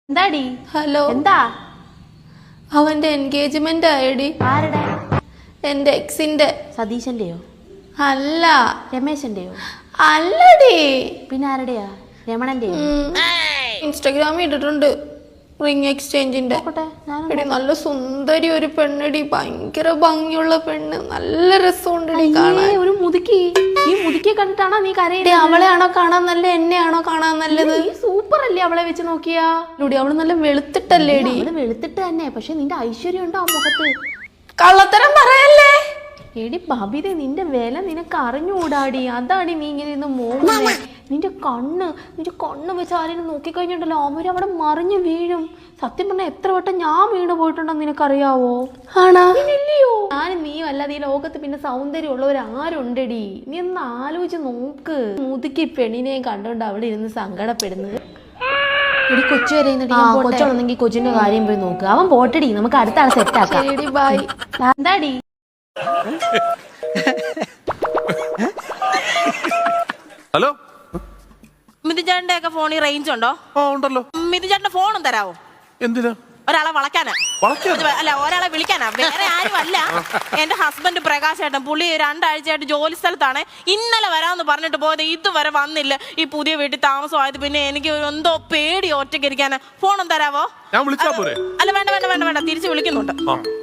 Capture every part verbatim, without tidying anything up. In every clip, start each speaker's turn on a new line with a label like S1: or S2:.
S1: എന്താടി?
S2: ഹലോ.
S1: എന്താ?
S2: അവന്റെ എൻഗേജ്മെന്റ് ആയടി.
S1: ആരുടെ?
S2: എന്റെ എക്സിന്റെ.
S1: സതീശന്റെയോ?
S2: അല്ല.
S1: രമേശന്റെയോ?
S2: അല്ലടി.
S1: പിന്നെ ആരുടെയാ? രമണന്റെയോ?
S2: ഇൻസ്റ്റാഗ്രാമിൽ ഇട്ടിട്ടുണ്ട് റിംഗ് എക്സ്ചേഞ്ചിന്റെ. എടി നല്ല സുന്ദരി ഒരു പെണ്ണടി, ഭയങ്കര ഭംഗിയുള്ള പെണ്ണ്, നല്ല രസമുണ്ടടി കാണാൻ.
S1: ഒരു മുതുക്കി. ഈ മുതുക്കിയെ കണ്ടിട്ടാണോ നീ കരയടി?
S2: അവളെയാണോ കാണാൻ നല്ല, എന്നെയാണോ കാണാൻ നല്ലത്?
S1: സൂപ്പർ അല്ലേ അവളെ വെച്ച് നോക്കിയാ?
S2: അവള് നല്ല വെളുത്തിട്ടല്ലേടി?
S1: അവള് വെളുത്തിട്ട് തന്നെ, പക്ഷെ നിന്റെ ഐശ്വര്യം ഉണ്ടോ ആ മുഖത്ത്?
S2: കള്ളത്തരം പറയല്ലേ
S1: എടി ബബിതേ, നിന്റെ വില നിനക്ക് അറിഞ്ഞുകൂടാടി. അതാടി നീ ഇങ്ങനെ ഇന്ന് മോങ്ങുന്നേ. നിന്റെ കണ്ണ് നിന്റെ കണ്ണ് വെച്ച് ആരെയും നോക്കിക്കഴിഞ്ഞിട്ടുണ്ടല്ലോ അവരവിടെ മറിഞ്ഞു വീഴും. സത്യം പറഞ്ഞാൽ എത്ര വട്ടം ഞാൻ വീണ് പോയിട്ടുണ്ടെന്ന് നിനക്കറിയാവോ?
S2: ആണോ?
S1: ഇല്ലയോ? ഞാൻ നീ അല്ലാതെ ഈ ലോകത്ത് പിന്നെ സൗന്ദര്യം ഉള്ളവർ ആരുണ്ടടി? നീ ഒന്ന് ആലോചിച്ച് നോക്ക്. മുതുക്കി പെണ്ണിനെയും കണ്ടോണ്ട് അവിടെ ഇരുന്ന് സങ്കടപ്പെടുന്നത്. എടി കൊച്ചു വരെ കൊച്ചുണ്ടെങ്കിൽ കൊച്ചിന്റെ കാര്യം പോയി നോക്ക്. അവൻ പോട്ടടി, നമുക്ക് അടുത്ത ആളെ സെറ്റ് ആക്കാം.
S2: ബൈ.
S1: എന്താടി?
S3: ഹലോ,
S4: മിഥുചേട്ടന്റെ ഒക്കെ ഫോണിൽ റേഞ്ച് ഉണ്ടോ?
S3: ആ ഉണ്ടല്ലോ.
S4: മിഥുചേട്ടന്റെ ഫോണും തരാവോ?
S3: എന്തിനാ?
S4: ഒരാളെ വളയ്ക്കാനാ. അല്ല, ഒരാളെ വിളിക്കാനാ, വേറെ ആരും അല്ല. എന്റെ ഹസ്ബൻഡ് പ്രകാശ് ഏട്ടൻ, പുള്ളി രണ്ടാഴ്ചയായിട്ട് ജോലി സ്ഥലത്താണ്. ഇന്നലെ വരാമെന്ന് പറഞ്ഞിട്ട് പോയത് ഇതുവരെ വന്നില്ല. ഈ പുതിയ വീട്ടിൽ താമസമായത് പിന്നെ എനിക്ക് എന്തോ പേടി ഒറ്റയ്ക്ക് ഇരിക്കാനാ. ഫോണും തരാവോ?
S3: ഞാൻ വിളിച്ചാ പോരെ?
S4: അല്ല വേണ്ട വേണ്ട വേണ്ട വേണ്ട, തിരിച്ചു വിളിക്കുന്നുണ്ട്.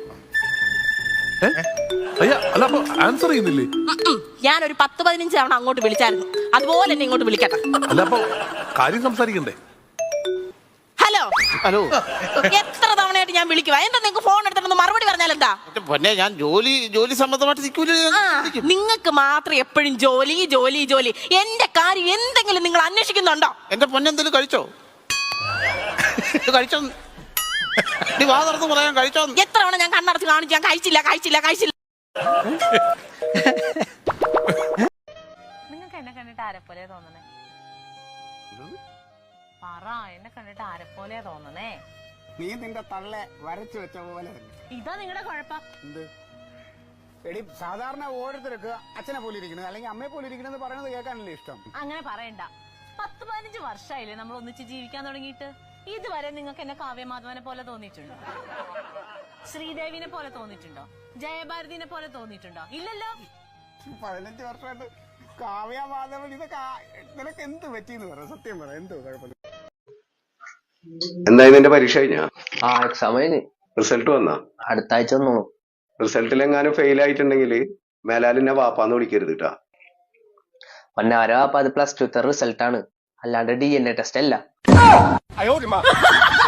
S3: ആൻസർ ചെയ്യുന്നില്ലേ?
S4: ഞാനൊരു പത്ത് പതിനഞ്ച് തവണ അങ്ങോട്ട് വിളിച്ചായിരുന്നു, അതുപോലെ എന്നെ ഇങ്ങോട്ട് വിളിക്കട്ടെ.
S3: അല്ല അപ്പൊ കാര്യം സംസാരിക്കണ്ടേ?
S4: ഹലോ
S5: ഹലോ,
S4: എത്ര തവണയായിട്ട് ഞാൻ വിളിക്കുവാ? എന്താ നിങ്ങൾക്ക് ഫോൺ എടുത്തിട്ടൊന്ന് മറുപടി പറഞ്ഞാൽ എന്താ?
S5: പിന്നെ ഞാൻ ജോലി ജോലി സംബന്ധമായിട്ട്
S4: നിങ്ങൾക്ക് മാത്രം എപ്പോഴും ജോലി ജോലി ജോലി. എന്റെ കാര്യം എന്തെങ്കിലും നിങ്ങൾ അന്വേഷിക്കുന്നുണ്ടോ?
S5: എന്റെ പൊന്നെന്തെങ്കിലും കഴിച്ചോ? കഴിച്ചോ? വാ തുറന്ന് പറയാൻ കഴിച്ചോ?
S4: എത്ര തവണ ഞാൻ കണ്ണടച്ച് കാണിച്ചു ഞാൻ കഴിച്ചില്ല കഴിച്ചില്ല കഴിച്ചില്ല. നിങ്ങൾക്ക് എന്നെ കണ്ടിട്ട് ആരെപ്പോലെ തോന്നണേ? പറ, എന്നെ കണ്ടിട്ട് ആരെപ്പോലെ തോന്നണേ?
S6: നീ നിന്റെ തള്ളെ വരച്ചു വെച്ച പോലെ.
S4: ഇതാ നിങ്ങളുടെ കുഴപ്പം.
S6: എന്ത് എടി, സാധാരണ ഓരോരുത്തർക്ക് അച്ഛനെ പോലെ ഇരിക്കുന്നത് അല്ലെങ്കിൽ അമ്മയെ പോലെ ഇരിക്കണെന്ന് പറയുന്നത് കേൾക്കാനല്ലേ ഇഷ്ടം?
S4: അങ്ങനെ പറയണ്ട. പത്ത് പതിനഞ്ച് വർഷമായില്ലേ നമ്മൾ ഒന്നിച്ച് ജീവിക്കാൻ തുടങ്ങിയിട്ട്. ഇതുവരെ നിങ്ങൾക്ക് എന്നെ കാവ്യമാധവനെ പോലെ തോന്നിയിട്ടുണ്ടോ? ശ്രീദേവിനെ പോലെ തോന്നിയിട്ടുണ്ടോ? ജയഭാരതിനെ പോലെ തോന്നിയിട്ടുണ്ടോ? ഇല്ലല്ലോ.
S6: പതിനഞ്ച് വർഷമായിട്ട് കാവ്യ മാധവൻ ഇതൊക്കെ നിനക്ക് എന്ത് പറ്റിയെന്ന് പറയാം. സത്യം പറയാം, എന്തോ കുഴപ്പമില്ല.
S7: എന്തായാലും നിന്റെ പരീക്ഷ കഴിഞ്ഞാ?
S8: ആ എക്സാം കഴിഞ്ഞ്.
S7: റിസൾട്ട് വന്നാ?
S8: അടുത്ത ആഴ്ച വന്നോളൂ.
S7: റിസൾട്ടിൽ എങ്ങാനും ഫെയിൽ ആയിട്ടുണ്ടെങ്കിൽ മേലാലിന്നെ വാപ്പാന്ന് വിളിക്കരുത് കേട്ടാ.
S8: പൊന്നാര വാപ്പ, അത് പ്ലസ് ടു റിസൾട്ട് ആണ്, അല്ലാണ്ട് ഡി എൻ എ ടെസ്റ്റ് അല്ല.